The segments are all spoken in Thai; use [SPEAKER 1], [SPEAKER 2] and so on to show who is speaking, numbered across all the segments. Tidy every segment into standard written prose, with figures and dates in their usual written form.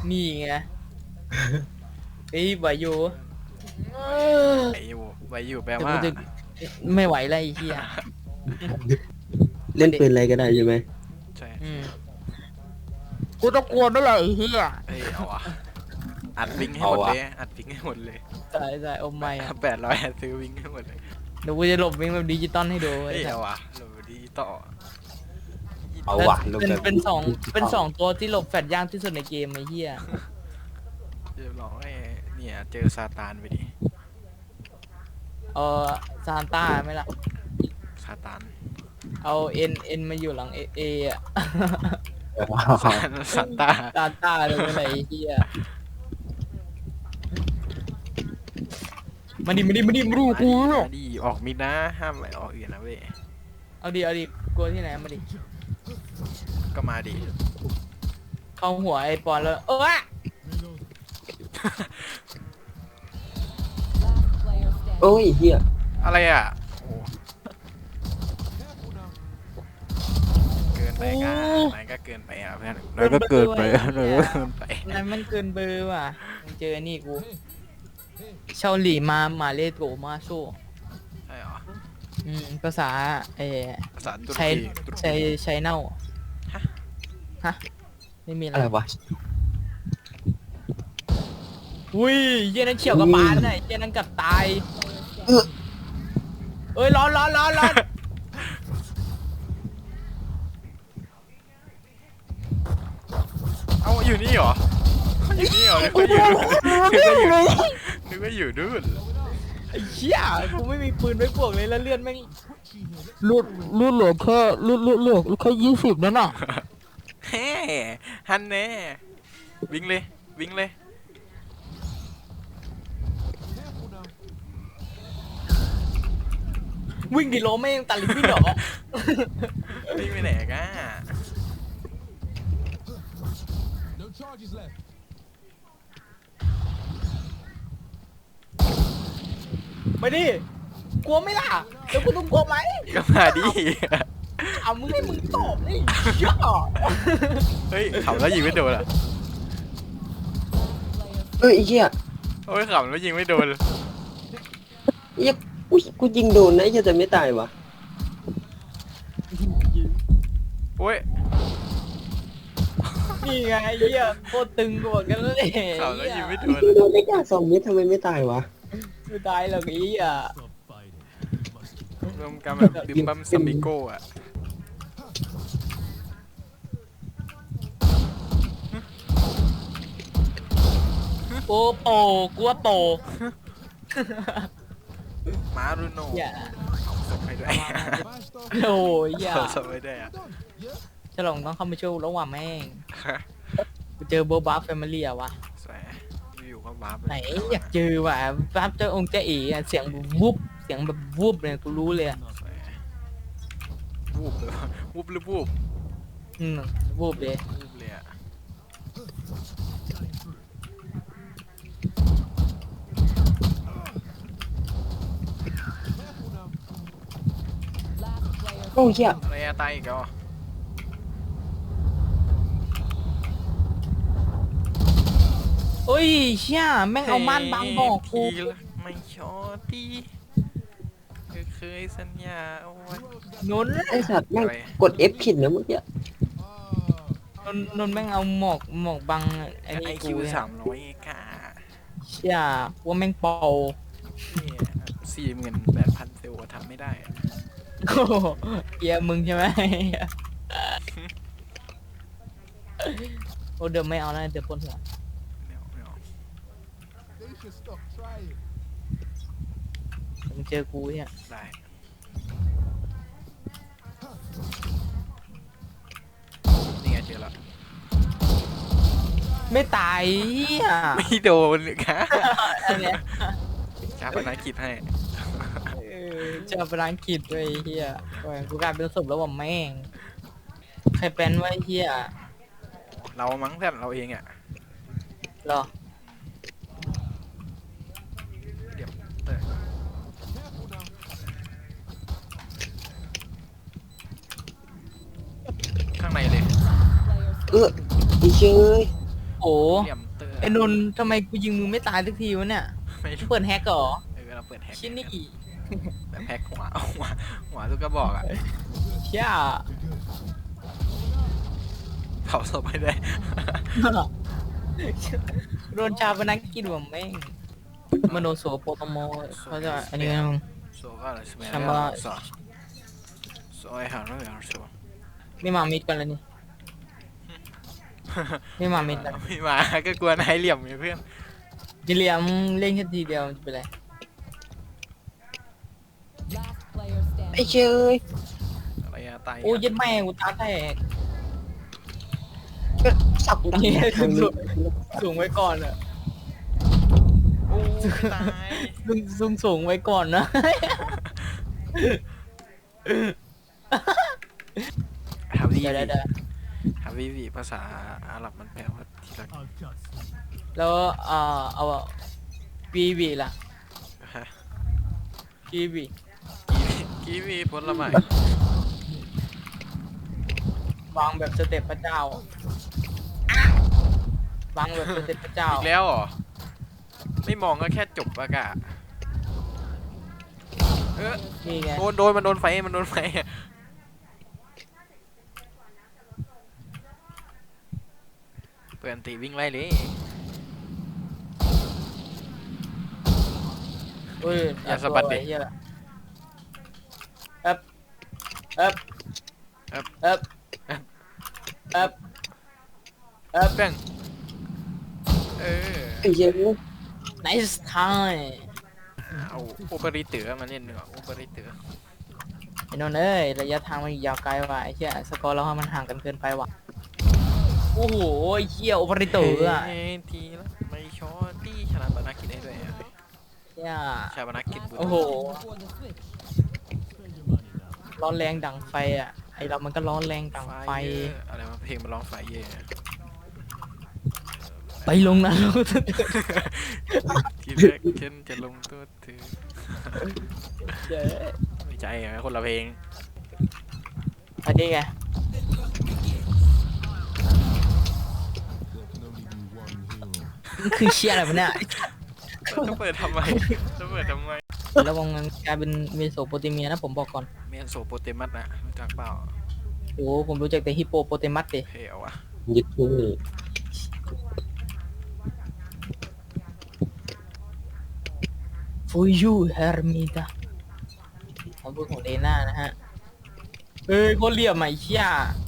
[SPEAKER 1] นี่ไงเฮ้ยไหวอยู่
[SPEAKER 2] ไหวอยู่แปล
[SPEAKER 1] แต่
[SPEAKER 2] ว่า
[SPEAKER 1] กูจะไม่ไหวแล้วไอ้เหี้ย
[SPEAKER 3] เล่นปืนอะไรก็ได้ใช่ไหม
[SPEAKER 2] ใช่
[SPEAKER 1] กูต้องกลัวด้วยแหละไอ้เหี้ย
[SPEAKER 2] เอ้ยเอาอะอัดวิงให้หมดเลยอัดวิงให้หมดเลย
[SPEAKER 1] ใช่ใช่โอ้ไม่อะ
[SPEAKER 2] 800อัดซื้อวิงให้หมดเลย
[SPEAKER 1] เดี๋ยวกูจะหลบวิ่งแบบดิจิตอลให้ดู
[SPEAKER 2] เฮ้ย
[SPEAKER 1] ไอ้สั
[SPEAKER 2] เอา
[SPEAKER 1] ส
[SPEAKER 2] อะโหลดดีต่อ
[SPEAKER 3] เอาว่ะลง
[SPEAKER 1] เป็น
[SPEAKER 3] แบบ
[SPEAKER 1] เป็นสองตัวที่หลบแฟดยากที่สุดในเกมไอ้เหี้ย
[SPEAKER 2] เรียบร้อยเนี่ยเจอซาตานไปดิ
[SPEAKER 1] เออซานต้าไหมล่ะ
[SPEAKER 2] ซาตาน
[SPEAKER 1] เอาเอ็นมาอยู่หลังเออะ
[SPEAKER 2] ซานตา
[SPEAKER 1] ซานต้าเลยอะไรไอ้เหี้ยมาดิมาดูกู
[SPEAKER 2] มาดิออกมิดนะห้ามไปออกอื่นนะเว้ย
[SPEAKER 1] เอาดิกลัวที่ไหนมาดิ
[SPEAKER 2] ก็มาดิ
[SPEAKER 1] เข้าหัวไอ้ปอนแล้วอะ
[SPEAKER 3] โอ้ยเฮีย
[SPEAKER 2] อะไรอ่ะโอ้เกินไปกันนายก็เกินไปอ่ะเพื่อนนายก็เกินไปนายก็เกินไป
[SPEAKER 1] นั่นมันเกินเบอร์ว่ะมึงเจอนี่กูเชาหลี่มาเลโกมาโซ
[SPEAKER 2] ใช่เหรอ
[SPEAKER 1] ภาษา
[SPEAKER 2] ภาษาตุร
[SPEAKER 1] ใช้
[SPEAKER 2] กีตุรกี
[SPEAKER 1] ใช้เน่าฮะไม่มีอะไร
[SPEAKER 3] อะไรวะ
[SPEAKER 1] อุ้ยเหี้ยนั่นเฉียวกับปานน่ะเหี้ยนั่นกับตายเอ้ยร้อน
[SPEAKER 2] เอ้าอยู่นี่เหรออยู่นี่เหรอนึกว่าอยู่นึกว่าอยู่นู่น
[SPEAKER 1] ไอ้เหี้ยกูไม่มีปืนไว้บวกเลยแล้วเลื่อนแม่งลุดเหลือแค่ลุดแค่20นั่นน่ะ
[SPEAKER 2] แฮ่ฮันแน่วิ่งเลยวิ่งเลย
[SPEAKER 1] วิ่งดิโลไม่ยังตัดลิฟต์วิ่งเหรอ
[SPEAKER 2] วิ่งไปไหนกัน
[SPEAKER 4] No charges left.
[SPEAKER 1] ไม่ดิกลัวไหมล่ะแล้วกูต้องกลัวไหม
[SPEAKER 2] ก็มาดิ
[SPEAKER 1] เอามึงให้มึงตอบนี่เหี้ย
[SPEAKER 2] เฮ้ยขับแล้วยิงไม่โดนอ่ะ
[SPEAKER 3] เอ้ยเฮีย
[SPEAKER 2] โอ้ยขับแล้วยิงไม่โดน
[SPEAKER 3] เฮียกูยิงโดนนะเฮียแต่ไม่ตายวะ
[SPEAKER 2] โอ้ย
[SPEAKER 1] นี่ไงไอ้เหี้ยโคตรตึงกว่ากันเลย
[SPEAKER 2] ขับแล้วยิงไม่โดน
[SPEAKER 3] โดนได้แค่2 เม็ดทำไมไม่ตายวะ
[SPEAKER 1] ไม่ตายหรอกไอ้เหี้ย
[SPEAKER 4] Stop fighting. You must
[SPEAKER 2] รวมกันแบบบิมบัมซัมบิโก้อะ
[SPEAKER 1] โอ้โปกูว่าโป
[SPEAKER 2] มารุโน่
[SPEAKER 1] อย่า
[SPEAKER 2] เอาศพให้ด้วย
[SPEAKER 4] smashed off.
[SPEAKER 1] โอ้ยอย่า
[SPEAKER 2] เอาศพให้ด้วยอ่ะ
[SPEAKER 4] Done. Yeah.
[SPEAKER 1] ฉลองต้องเข้ามาช่วยระหว่างแม่งกูเจอโบบาแฟมิลี่อะวะ
[SPEAKER 2] สวยอยู่ๆก็วาร์ป
[SPEAKER 1] ไหนอยากเจอว่ะบัฟเจอองค์เจาเอ๋อะเสียงวุบเสียงแบบวุบเลยกูรู้เลยอะ
[SPEAKER 2] สวยวูบเลยวะวูบหรือวูบ
[SPEAKER 1] วูบเลย
[SPEAKER 2] วูบเลยอ่ะ
[SPEAKER 4] Careful now.
[SPEAKER 3] โอ้ยเฮีย
[SPEAKER 2] อะไรอะตายอีกแล้วอ่ะ
[SPEAKER 1] โอ้ยเชี่ยแม่งเอาม่านบังบอกกู
[SPEAKER 2] ทีละไม่ชอตีเคยสัญญาเอาไว้
[SPEAKER 1] นนท์
[SPEAKER 3] ไอสัตว์แม่งกด F ผิดนะเมื่อกี้
[SPEAKER 1] นนท์แม่งเอาหมอกบังไอ้
[SPEAKER 2] ไอ
[SPEAKER 1] นี่
[SPEAKER 2] คิ
[SPEAKER 1] กู
[SPEAKER 2] ว
[SPEAKER 1] เนี่ย
[SPEAKER 2] 300ค่ะ
[SPEAKER 1] เชี่ยว่าแม่งเป่า
[SPEAKER 2] 48,000 เซลล์ทำไม่ได้อะ
[SPEAKER 1] โอ้โหเกียมึงใช่ไหมโอ้เดี๋ยวไม่เอาแล้วเดี๋ยวปวดหัว
[SPEAKER 2] ไม่เอา
[SPEAKER 4] They should stop trying.
[SPEAKER 1] มึงเจอกูเนี่ย
[SPEAKER 2] ได้ นี่ไงเจอแล้ว
[SPEAKER 1] ไม่ตายเหี้ย
[SPEAKER 2] ไม่โดนเลยค่ะ
[SPEAKER 1] อันเนี้ย
[SPEAKER 2] จ้าปนากิจให้
[SPEAKER 1] เจอพลังกิจด้วยไอ้เฮียโอ้ยกูกลายเป็นศพแล้วว่าแม่งใครเป็นไวะไอ้เฮีย
[SPEAKER 2] เรามั้งเพื่อนเราเองอ่ะ
[SPEAKER 1] เหรอ
[SPEAKER 2] เดี๋ยวเออ
[SPEAKER 4] Careful now.
[SPEAKER 2] ข้างในเลย
[SPEAKER 3] ไอ้เชย
[SPEAKER 1] โ
[SPEAKER 2] เหลี่ยมเตอร์
[SPEAKER 1] ไอ้นนท์ทำไมกูยิงมึงไม่ตายสักทีวะเนี่ย
[SPEAKER 2] ไม่รู้
[SPEAKER 1] เปิดแฮกเหรอ
[SPEAKER 2] เราเปิดแฮก
[SPEAKER 1] ชิ้นนี่
[SPEAKER 2] แบบแฮกหัวทุกกระบอกอ่ะ
[SPEAKER 1] เชี่ย
[SPEAKER 2] เผาศพไม่ได้
[SPEAKER 1] โดนชาปนักกินผมแม่งมโนโสโปรโตโมเขาจะอันนี้กัน
[SPEAKER 2] Så kallas med
[SPEAKER 1] Han bara-
[SPEAKER 2] Elsa. Så är han nu gör så.
[SPEAKER 1] ไม่มามิดกันเลยนี่ ไม่มามิดกัน
[SPEAKER 2] ไม่มาก็กลัวนายเหลี่ยมไงเพื่อน
[SPEAKER 1] จิเลียมเล่นแค่ทีเดียวมันจะเป็นไร
[SPEAKER 5] Last player
[SPEAKER 3] ไอ้
[SPEAKER 5] standing.
[SPEAKER 3] เชย
[SPEAKER 2] อะไรอะตาย
[SPEAKER 1] โอ้ยัดแม่กูตาแตก
[SPEAKER 3] สับดัง
[SPEAKER 1] นี่
[SPEAKER 3] ทาง
[SPEAKER 1] สู
[SPEAKER 3] นี้
[SPEAKER 1] งสูงไว้ก่อนอะ
[SPEAKER 2] โอ้ตาย
[SPEAKER 1] สูงไว้ก่อนนะ
[SPEAKER 2] ฮาวิ
[SPEAKER 1] เดี๋ยว
[SPEAKER 2] วี
[SPEAKER 1] เดี๋ยว
[SPEAKER 2] ฮาวิวีภาษาอาหรับมันแปลว่าที่รัก
[SPEAKER 4] I've got some.
[SPEAKER 1] แล้วเอาบีบีล่ะ
[SPEAKER 2] ฮะ
[SPEAKER 1] บีบี
[SPEAKER 2] กีวีผลไม้
[SPEAKER 1] วางแบบสเต็ปพระเจ้าวางแบบสเต็ปพระเจ้า
[SPEAKER 2] อีกแล้วเหรอไม่มองก็แค่จบอากาศเออ
[SPEAKER 1] นี่ไง
[SPEAKER 2] โดนมันโดนไฟเปิดอันตีวิ่งไล่เลย
[SPEAKER 1] เอ้ย
[SPEAKER 2] อย่าสะบัดดิ
[SPEAKER 1] ไอ้เหี้ยเอ๊บเอ๊บ
[SPEAKER 2] เอ๊บ
[SPEAKER 1] เอ๊บเอ๊บเอ๊บ
[SPEAKER 2] แป้งเออ
[SPEAKER 3] ไอ้เชย
[SPEAKER 1] nice time
[SPEAKER 2] เอาโอเปอริเตอร์มาเล่นดีกว่าโอเปอริเตอร์
[SPEAKER 1] ไอ้นนท์เอ้ยระยะทางมันยาวไกลว่ะไอ้เหี้ยสกอร์เรามันห่างกันเกินไปว่ะโอ้โหไอ้เหี้ยโอเปอเรเตอร์อะ
[SPEAKER 2] เฮ้ยทีละไม่ชอตที่ชนะบานากิได้ด้วยอะ
[SPEAKER 1] เหี้ย
[SPEAKER 2] ชาบานากิบุตร
[SPEAKER 1] โอ้โห
[SPEAKER 5] Before the switch.
[SPEAKER 4] Spend your money now.
[SPEAKER 1] ร้อนแรงดังไฟอ่ะไอเรามันก็ร้อนแรงดังไฟ
[SPEAKER 2] อะไรมาเพลงมาร้องไฟเย่
[SPEAKER 1] ไปลงนะ
[SPEAKER 2] ทีแรกฉันจะลงตัวเธอ
[SPEAKER 1] เจ๊
[SPEAKER 2] ไม่ใจอะคนละเพลง
[SPEAKER 1] อันนี้ไง
[SPEAKER 4] There can only be one hero.
[SPEAKER 1] มันคือเชียอะไรวะเนี่ย
[SPEAKER 2] จะเปิดทำไมจะเปิดทำไม
[SPEAKER 1] ระวังมันกลายเป็นเมโสโปเตเมียนะผมบอกก่อน
[SPEAKER 2] เมียนโซโปเตมัสนะรู้จักเปล่า
[SPEAKER 1] โอ้ผมรู้จักแต่ฮิปโปโปเตมัสดิ
[SPEAKER 2] เพลวอะ
[SPEAKER 3] ยึดมือ
[SPEAKER 1] ฟูยูเฮอร์มิดาคำพูดของเลน่านะฮะเอ้ยโคตรเหลี่ยมอ่ะไอ้เชี่ย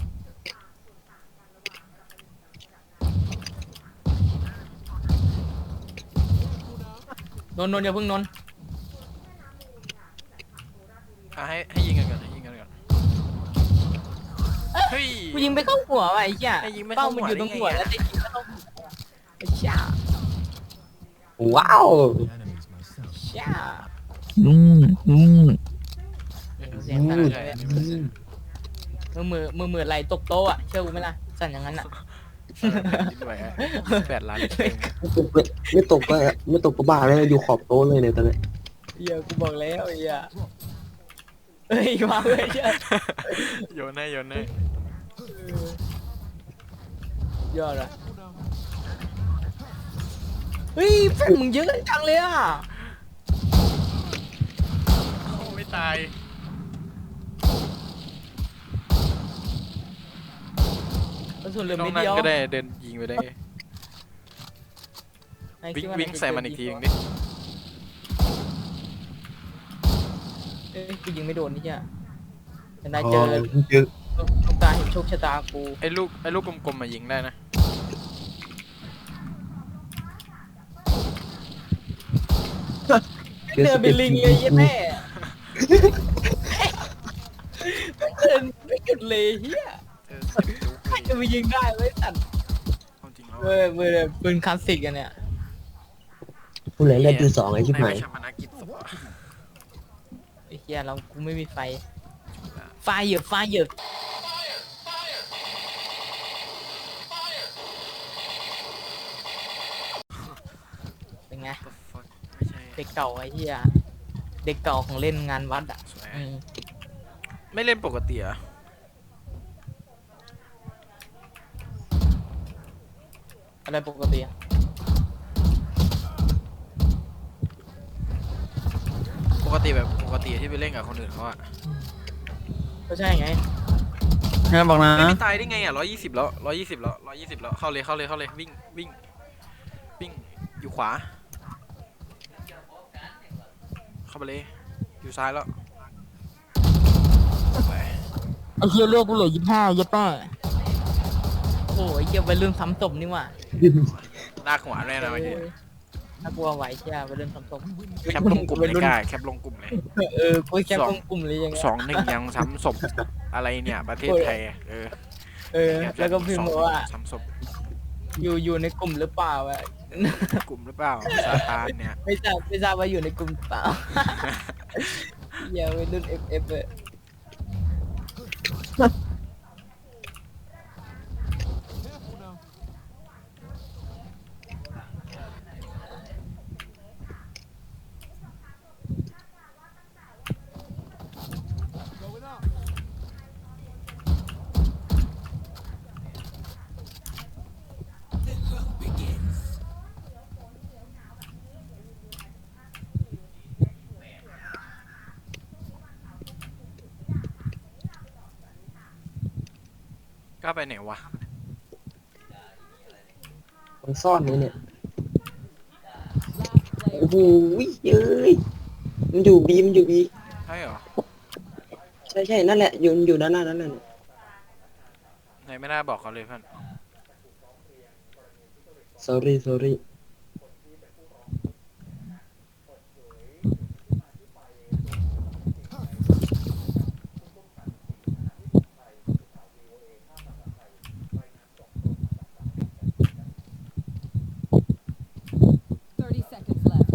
[SPEAKER 1] นนท์อย่าเพิ่งนนท์
[SPEAKER 2] ให้ยิงกันก่อนให้ยิงกันก่อนเฮ้ย
[SPEAKER 1] กูยิงไปเข้าหัวว่ะไอ้เชี่ย
[SPEAKER 2] ไอ้ยิงไม่
[SPEAKER 1] เป้า
[SPEAKER 2] เข้าหัว
[SPEAKER 1] มันอยู่ตรงหัว
[SPEAKER 2] ได้ไงอะ
[SPEAKER 1] แล้วแต่ยิงไม่เข้าหัวไอ้เชี่ย
[SPEAKER 3] ว้าว
[SPEAKER 4] Enemies myself.
[SPEAKER 1] เชี่ย
[SPEAKER 2] เออ
[SPEAKER 1] เสียงสั่น
[SPEAKER 2] ใช่
[SPEAKER 1] เลย
[SPEAKER 2] อันนี้มันเสียง
[SPEAKER 1] มือไหลตกโต๊ะอ่ะเชื่อกูไหมล่ะสั่นอย่างนั้นอ่ะ
[SPEAKER 2] คิดไว้อะ8 ล้านเต็ม
[SPEAKER 3] ไม่ตกก็ไม่ตกก็บ้าแล้วอยู่ขอบโต๊ะเลยเนี่ยตอนนี้
[SPEAKER 1] เฮียกูบอกแล้วไอ้เฮียเฮ้ยมาเลยเชี่ย
[SPEAKER 2] โยนให้
[SPEAKER 1] ยอดอ่ะเฮ้ยแฟนมึงเยอะจังเลยอ่ะ
[SPEAKER 2] โอ้ไม่ตาย
[SPEAKER 1] กระสุนเหลือ
[SPEAKER 2] น้อง
[SPEAKER 1] ไม่
[SPEAKER 2] นั่
[SPEAKER 1] เดี
[SPEAKER 2] ง
[SPEAKER 1] ยว
[SPEAKER 2] ก็ได้เดินยิงไปได้วิ่งใส่มันอีกทีนึงดิ
[SPEAKER 1] เอ้ยกูยิงไม่โดนนี่เฮียแต่นายเจอ
[SPEAKER 3] เจอ
[SPEAKER 1] ลูกตาเห็นโชคชะตากู
[SPEAKER 2] ไอ้ลูกกลมๆมายิงได้นะ
[SPEAKER 1] เดินเป็นลิงเลยยี่แม่เดินไม่หยุดเลยเฮีย
[SPEAKER 2] เออจุ๊บ
[SPEAKER 1] ใครจะไปยิงได้ไว้สั่น
[SPEAKER 2] เอาจริงแล้ว
[SPEAKER 1] เว้ยมือปืนคลาสสิกอันเนี่ย
[SPEAKER 3] ผู้เล่นเล่นที่สองไอ้ชิบหาย
[SPEAKER 2] ไม่ชาปนกิจศพอะ
[SPEAKER 1] ไอ้เฮียเรากูไม่มีไฟไฟเหยอะไฟเหยอะเป็นไง
[SPEAKER 2] The fuck ไม่ใช่
[SPEAKER 1] เด็กเก่าไอ้เหี้ยเด็กเก่าของเล่นงานวัดอ่ะ
[SPEAKER 2] สวย
[SPEAKER 1] อืม
[SPEAKER 2] ไม่เล่นปกติเหรอ่ะ
[SPEAKER 1] อะไรปกติอะ
[SPEAKER 2] ปกติแบบปกติที่ไปเล่นกับคนอื่นเขาอะ
[SPEAKER 1] ก็ใช่ไง
[SPEAKER 6] งั้นบอกนะ
[SPEAKER 2] ไม่ตายได้ไงอะ120แล้ว120แล้ว120แล้วเข้าเลยวิ่งวิ่งอยู่ขวาเข้าไปเลยอยู่ซ้ายแล้วไป
[SPEAKER 1] ไอ้เหี้ยเลือกกูเหลือ25ยัดป้าโอ้ยเหี้ยไปเรื่องซ้ำศพนี่หว่า
[SPEAKER 2] ลากหัวแน่นะเมื่อกี้
[SPEAKER 1] น่ากลัวไหวเชี่ยไปเรื่องซ้ำศพ
[SPEAKER 2] แคปลงกลุ่มเลยกล้าแคปลงกลุ่มเลย
[SPEAKER 1] กูแค่ลงกลุ่มเลยยังไง
[SPEAKER 2] 2-1ยังซ้ำศพอะไรเนี่ยประเทศไทย
[SPEAKER 1] แล้วก็พิมพ์บอกว่า
[SPEAKER 2] ซ้ำศพ
[SPEAKER 1] อยู่ในกลุ่มหรือเปล่าวะ
[SPEAKER 2] กลุ่มหรือเปล่าซาตานเนี่ย
[SPEAKER 1] ไม่ทราบว่าอยู่ในกลุ่มหรือเปล่าอย่าไปรุ่น FF เลย
[SPEAKER 2] ก็ไปไหนวะ
[SPEAKER 3] มันซ่อนนี่เนี่ย
[SPEAKER 5] Last
[SPEAKER 3] โอ้
[SPEAKER 5] player.
[SPEAKER 3] โหเอ้ยมันอยู่บีมันอยู่บี
[SPEAKER 2] ใช่เหรอ
[SPEAKER 3] ใช่นั่นแหละอยู่ด้านหน้านั่นแหละ
[SPEAKER 2] ไหนไม่น่าบอกเขาเลยเพื่อน
[SPEAKER 3] sorry
[SPEAKER 5] 30 seconds left.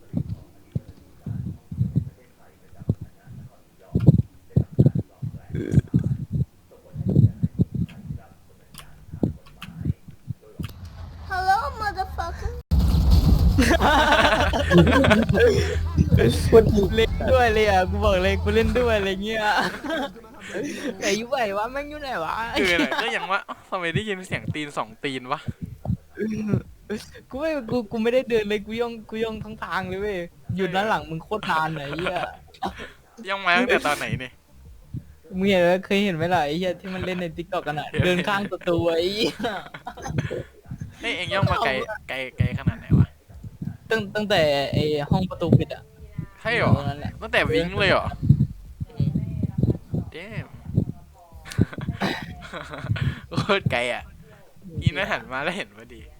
[SPEAKER 7] Hello, motherfucker.
[SPEAKER 3] คนดี
[SPEAKER 1] เล่นด้วยเลยอ่ะกูบอกเลยกูเล่นด้วยอะไรเงี้ยแต่อยู่ไหนวะแม่งอยู่ไหนวะ
[SPEAKER 2] คืออะไรก็ยังว่าทำไมได้ยินเสียงตีน2 ตีนวะ
[SPEAKER 1] กูไม่ได้เดินเลยกูย่องทั้งทางเลยเว้ยอยู่ด้านหลังมึงโคตรนานไหนเหี้ย
[SPEAKER 2] ยังมาตั้งแต่ตอนไหนเนี่ย
[SPEAKER 1] มึงเคยเห็นไหมล่ะไอ้เหี้ยที่มันเล่นในติ๊กต็อกกันอ่ะเดินข้างประตูไอ้เหี้ย
[SPEAKER 2] เฮ้ยเอ็งย่องมาไกลขนาดไหนวะ
[SPEAKER 1] ตั้งแต่ไอ้ห้องประตูปิดอ่ะ
[SPEAKER 2] ใช่เหรอ
[SPEAKER 1] ตรงนั้นแหละ
[SPEAKER 2] ตั้งแต่วิ้งเลยเหรอเด้ม โคตรไกลอ่ะอีน่าหันมาแล้วเห็นพอดี